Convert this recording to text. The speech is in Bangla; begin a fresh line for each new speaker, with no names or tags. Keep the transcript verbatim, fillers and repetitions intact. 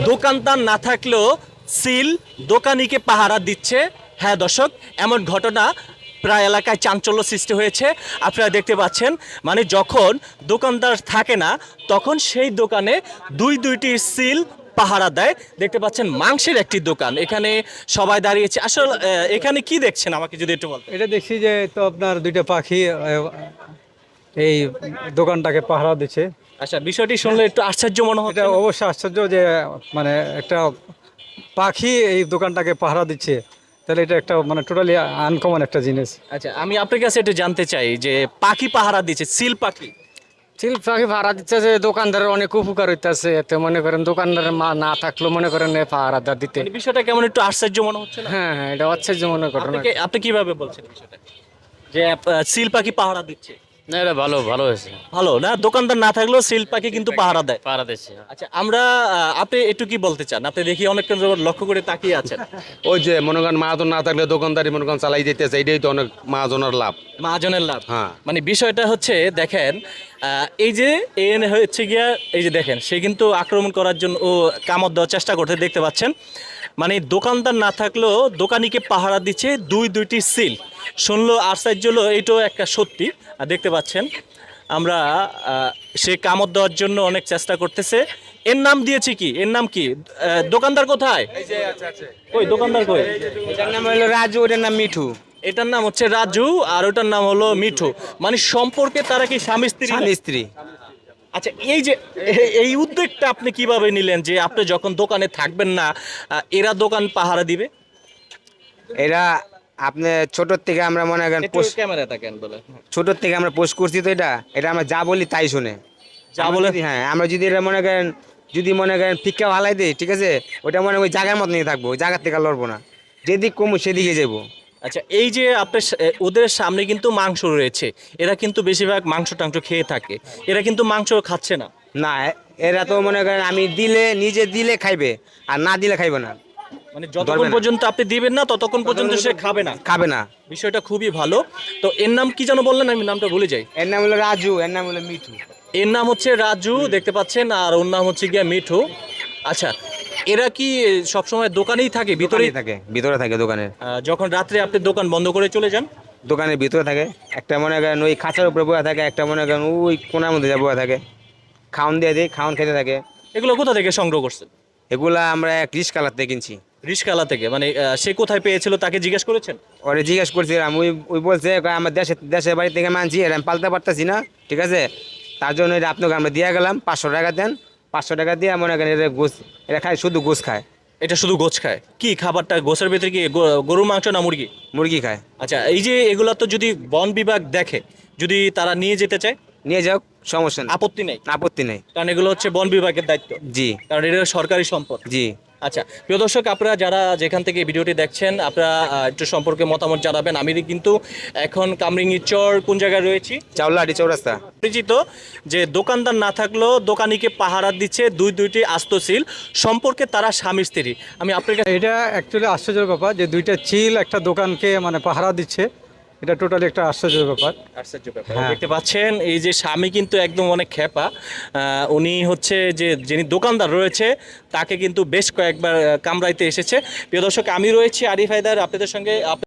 দোকানদার না থাকলেও সিল দোকানিকে পাহারা দিচ্ছে। হ্যাঁ দর্শক, এমন ঘটনা প্রায় এলাকায় চাঞ্চল্য সৃষ্টি হয়েছে। আপনারা দেখতে পাচ্ছেন, মানে যখন দোকানদার থাকে না তখন সেই দোকানে দুই দুইটি সিল পাহারা দেয়। দেখতে পাচ্ছেন মাংসের একটি দোকান, এখানে সবাই দাঁড়িয়েছে। আসলে আহ, এখানে কি দেখছেন আমাকে যদি একটু বলতেন।
এটা দেখছি যে তো আপনার দুইটা পাখি আহ, এই দোকানটাকে পাহারা দিচ্ছে।
আচ্ছা, বিষয়টি শুনলে একটু আশ্চর্য মনে হচ্ছে
এটা
না?
অবশ্যই আশ্চর্য যে মানে একটা পাখি এই দোকানটাকে পাহারা দিচ্ছে, তাহলে এটা একটা মানে টোটালি আনকমন একটা জিনিস।
আচ্ছা, আমি আপনার কাছে একটু জানতে চাই যে পাখি পাহারা দিচ্ছে, সিল পাখি,
চিল পাখি ভাড়া দিচ্ছে যে দোকানদারের অনেক উপকার হইতেছে, এতে মনে করেন দোকানদারের মা না থাকলেও মনে করেন এ পাহারাদার দিতে।
মানে বিষয়টা কেমন একটু আশ্চর্য মনে হচ্ছে না?
হ্যাঁ হ্যাঁ, এটা আশ্চর্য মনে ঘটনা।
আপনাকে আপনি কিভাবে বলছেন বিষয়টা যে আহ, সিল পাখি পাহারা দিচ্ছে?
না, এটা ভালো ভালো হয়েছে।
ভালো না, দোকানদার না থাকলেও সিল পাখি কিন্তু পাহারা দেয়।
পাড়া দিচ্ছে।
আচ্ছা, আমরা আহ, আপনি একটু কি বলতে চান? আপনি দেখি অনেকক্ষণ যাবত লক্ষ্য করে তাকিয়ে আছেন।
ওই যে মনে করেন মাহাজন না থাকলে দোকানদারি মনে করেন চালাই যেতেছে, এটাই তো অনেক মাহাজনের লাভ।
মহাজনের লাভ।
হ্যাঁ।
মানে বিষয়টা হচ্ছে দেখেন, আহ, এই যে এন হচ্ছে গিয়া, এই যে দেখেন সে কিন্তু আক্রমণ করার জন্য ও কামড় দেওয়ার চেষ্টা করতে দেখতে পাচ্ছেন। মানে দোকানদার না থাকলেও দোকানিকে পাহারা দিচ্ছে দুই দুইটি সিল। শুনলো আশ্চর্য হলো, এইটাও একটা সত্যি। আর দেখতে পাচ্ছেন আমরা আহ, সে কামড় দেওয়ার জন্য অনেক চেষ্টা করতেছে। এর নাম দিয়েছি কি, এর নাম কি? আহ, দোকানদার কোথায়? ওই দোকানদার কই?
এটার নাম হলো রাজু, ওটার নাম মিঠু।
এটার নাম হচ্ছে রাজু আর ওটার নাম হলো মিঠু। মানে সম্পর্কে তারা কি স্বামী স্ত্রী?
স্বামী স্ত্রী।
আচ্ছা, এই যে এ- এই উদ্যোগটা আপনি কিভাবে নিলেন যে আপনি যখন দোকানে থাকবেন না আহ, এরা দোকান পাহারা দিবে?
এরা আপনি ছোটোর থেকে আমরা মনে করেন
একটু
পোষ-
ক্যামেরা তাকেন বলে।
ছোটোর থেকে আমরা পোস্ট করছি, তো এটা এটা আমরা যা বলি তাই শুনে।
যা
আমরা
বলে?
যদি- হ্যাঁ, আমরা যদি এটা মনে করেন যদি মনে করেন ফিক্কা ভালাই দিই, ঠিক আছে, ওটা মনে ওই জায়গার মতো নিয়ে থাকবো, ওই জায়গার থেকে লড়বো না, যেদিক কমু সেদিকে যাবো।
আচ্ছা, এই যে আপনার সা- এ, ওদের সামনে কিন্তু মাংস রয়েছে, এরা কিন্তু বেশিরভাগ মাংস টাংস খেয়ে থাকে, এরা কিন্তু মাংস খাচ্ছে না।
না, এরা তো মনে করেন আমি দিলে নিজে দিলে খাইবে, আর না দিলে খাইবে না,
মানে
ধরবে
যতক্ষণ
না।
পর্যন্ত আপনি দিবেন না ততক্ষণ পর্যন্ত সে খাবে না।
খাবে না।
বিষয়টা খুবই ভালো। তো এর নাম কি যেন বললেন, আমি নামটা ভুলে যাই।
এর নাম হলো রাজু, এর নাম হলো মিঠু।
এর নাম হচ্ছে রাজু, দেখতে পাচ্ছেন, আর ওর নাম হচ্ছে গিয়া মিঠু। আচ্ছা, এরা কি সবসময় দোকানেই থাকে, ভিতরেই
ভিতরেই থাকে, ভিতরে থাকে দোকানের।
আহ, যখন রাত্রে আপনি দোকান বন্ধ করে চলে যান?
দোকানের ভিতরে থাকে, একটা মনে করেন ওই খাঁচার উপরে বসে থাকে, একটা মনে করেন ওই কোনার মধ্যে যা বসে থাকে, খাওয়ান দিয়ে দিই, খাওয়ান খেতে থাকে।
এগুলো কোথা থেকে সংগ্রহ করছেন?
এগুলা আমরা এক রিস কালার থেকে কিনছি।
রিশকালা থেকে? মানে আহ, সে কোথায় পেয়েছিল তাকে জিজ্ঞেস করেছেন?
ওরে জিজ্ঞেস করছিলাম, ওই ওই বলছে কয় আমার দেশের দেশের বাড়ি থেকে মানছি, এর আমি পালতে পারতেছি না, ঠিক আছে, তার জন্য এটা আপনাকে আমরা দিয়ে গেলাম, পাঁচশো টাকা দেন। পাঁচশো টাকা দিয়ে মনে করেন এটা গোস, এটা খায় শুধু গোস খায়।
এটা শুধু গোছ খায়? কি খাবারটা গোছের ভিতরে কি গো- গরুর মাংস না মুরগি?
মুরগি খায়।
আচ্ছা, এই যে এগুলা তো যদি বন বিভাগ দেখে, যদি তারা নিয়ে যেতে চায়,
নিয়ে যাও, সমস্যা নেই,
আপত্তি নেই?
আপত্তি নেই।
কারণ এগুলো হচ্ছে বন বিভাগের দায়িত্ব,
জি
কারণ এটা সরকারি সম্পদ।
জি।
আচ্ছা, প্রিয় দর্শক, আপনারা যারা যেখান থেকে এই ভিডিওটি দেখছেন, আপনারা আহ, একটু সম্পর্কে মতামত জানাবেন। আমি কিন্তু এখন কামরিঙ্গি চর কোন জায়গায় রয়েছি
চাউলাহাটি চৌরাস্তা।
পরিচিত, যে দোকানদার না থাকলেও দোকানিকে পাহারা দিচ্ছে দুই দুইটি আস্ত সিল, সম্পর্কে তারা স্বামী স্ত্রী। আমি আপনার কাছে
এটা অ্যাকচুয়ালি আশ্চর্যের ব্যাপার যে দুইটা চিল একটা দোকানকে মানে পাহারা দিচ্ছে, এটা টোটালি একটা আশ্চর্যের ব্যাপার।
আশ্চর্য ব্যাপার।
হ্যাঁ।
দেখতে পাচ্ছেন এই যে স্বামী কিন্তু একদম অনেক খেপা। আহ, উনি হচ্ছে যে যিনি দোকানদার রয়েছে তাকে কিন্তু বেশ কয়েকবার আহ, কামড়াইতে এসেছে। প্রিয় দর্শক, আমি রয়েছি আরিফ হায়দার আপনাদের সঙ্গে।